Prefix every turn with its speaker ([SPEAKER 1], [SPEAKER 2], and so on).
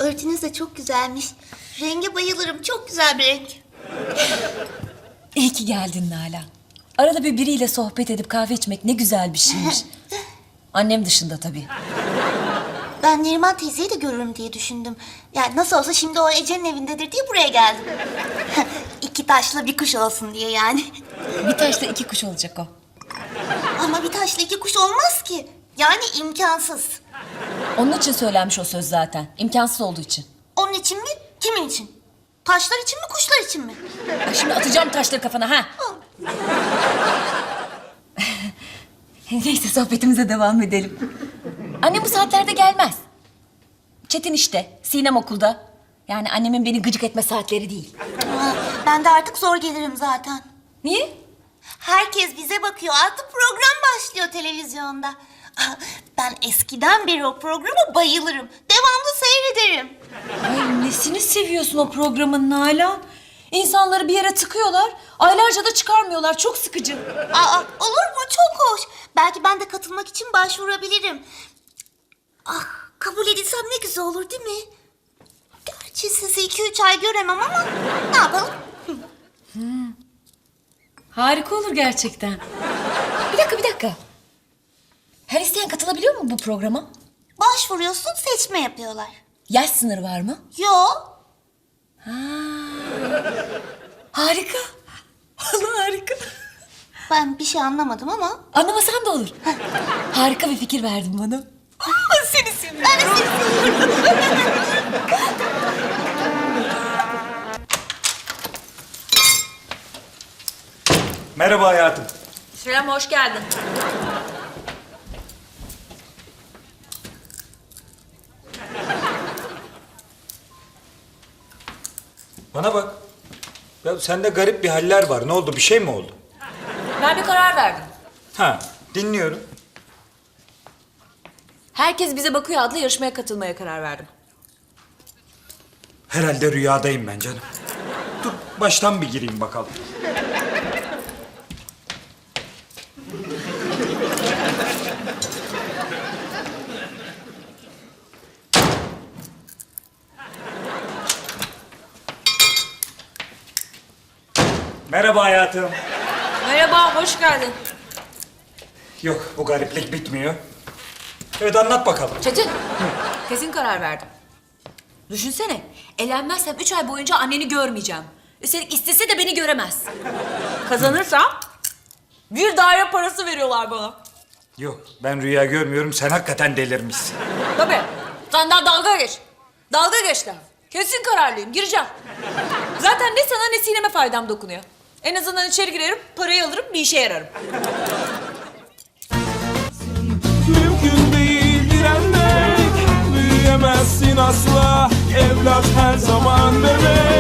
[SPEAKER 1] Örtünüz de çok güzelmiş. Renge bayılırım. Çok güzel bir renk.
[SPEAKER 2] İyi ki geldin Nalan. Arada bir biriyle sohbet edip kahve içmek ne güzel bir şeymiş. Annem dışında tabii.
[SPEAKER 1] Ben Neriman teyzeyi de görürüm diye düşündüm. Yani nasıl olsa şimdi o Ece'nin evindedir diye buraya geldim. İki taşla bir kuş olsun diye yani.
[SPEAKER 2] Bir taşla iki kuş olacak o.
[SPEAKER 1] Ama bir taşla iki kuş olmaz ki. Yani imkansız.
[SPEAKER 2] Onun için söylenmiş o söz zaten. İmkansız olduğu için.
[SPEAKER 1] Onun için mi? Kimin için? Taşlar için mi, kuşlar için mi?
[SPEAKER 2] Ay şimdi atacağım taşları kafana ha. Neyse sohbetimize devam edelim. Annem bu saatlerde gelmez. Çetin işte, Sinem okulda. Yani annemin beni gıcık etme saatleri değil.
[SPEAKER 1] Ben de artık zor gelirim zaten.
[SPEAKER 2] Niye?
[SPEAKER 1] Herkes bize bakıyor. Artık program başlıyor televizyonda. Ben eskiden beri o programa bayılırım. Devamlı seyrederim.
[SPEAKER 2] Ay nesini seviyorsun o programın Nalan? İnsanları bir yere tıkıyorlar, aylarca da çıkarmıyorlar. Çok sıkıcı.
[SPEAKER 1] Olur mu? Çok hoş. Belki ben de katılmak için başvurabilirim. Ah, kabul edilsem ne güzel olur değil mi? Gerçi sizi 2-3 ay göremem ama ne yapalım?
[SPEAKER 2] Harika olur gerçekten. Bir dakika. Her isteyen katılabiliyor mu bu programa?
[SPEAKER 1] Başvuruyorsun, seçme yapıyorlar.
[SPEAKER 2] Yaş sınırı var mı?
[SPEAKER 1] Yok.
[SPEAKER 2] Harika. Allah harika.
[SPEAKER 1] Ben bir şey anlamadım ama.
[SPEAKER 2] Anlamasan da olur. Harika bir fikir verdin bana. Seni seviyorum.
[SPEAKER 1] Ben de seni seviyorum.
[SPEAKER 3] Merhaba hayatım.
[SPEAKER 2] Selam, hoş geldin.
[SPEAKER 3] Bana bak. Ya sende garip bir haller var. Ne oldu? Bir şey mi oldu?
[SPEAKER 2] Ben bir karar verdim.
[SPEAKER 3] Ha, dinliyorum.
[SPEAKER 2] Herkes Bize Bakıyor adlı yarışmaya katılmaya karar verdim.
[SPEAKER 3] Herhalde rüyadayım ben canım. Dur, baştan bir gireyim bakalım. Merhaba hayatım.
[SPEAKER 2] Merhaba, hoş geldin.
[SPEAKER 3] Yok, bu gariplik bitmiyor. Evet, anlat bakalım.
[SPEAKER 2] Çetin, kesin karar verdim. Düşünsene, elenmezsem 3 ay boyunca anneni görmeyeceğim. Üstelik istese de beni göremez. Kazanırsam bir daire parası veriyorlar bana.
[SPEAKER 3] Yok, ben rüya görmüyorum. Sen hakikaten delirmişsin.
[SPEAKER 2] Tabii, senden dalga geç. Dalga geçti. Kesin kararlıyım, gireceğim. Zaten ne sana ne Sinem'e faydam dokunuyor. En azından içeri girerim, parayı alırım, bir işe yararım.
[SPEAKER 4] Mümkün değil direnmek, büyüyemezsin asla. Evlat her zaman bebek.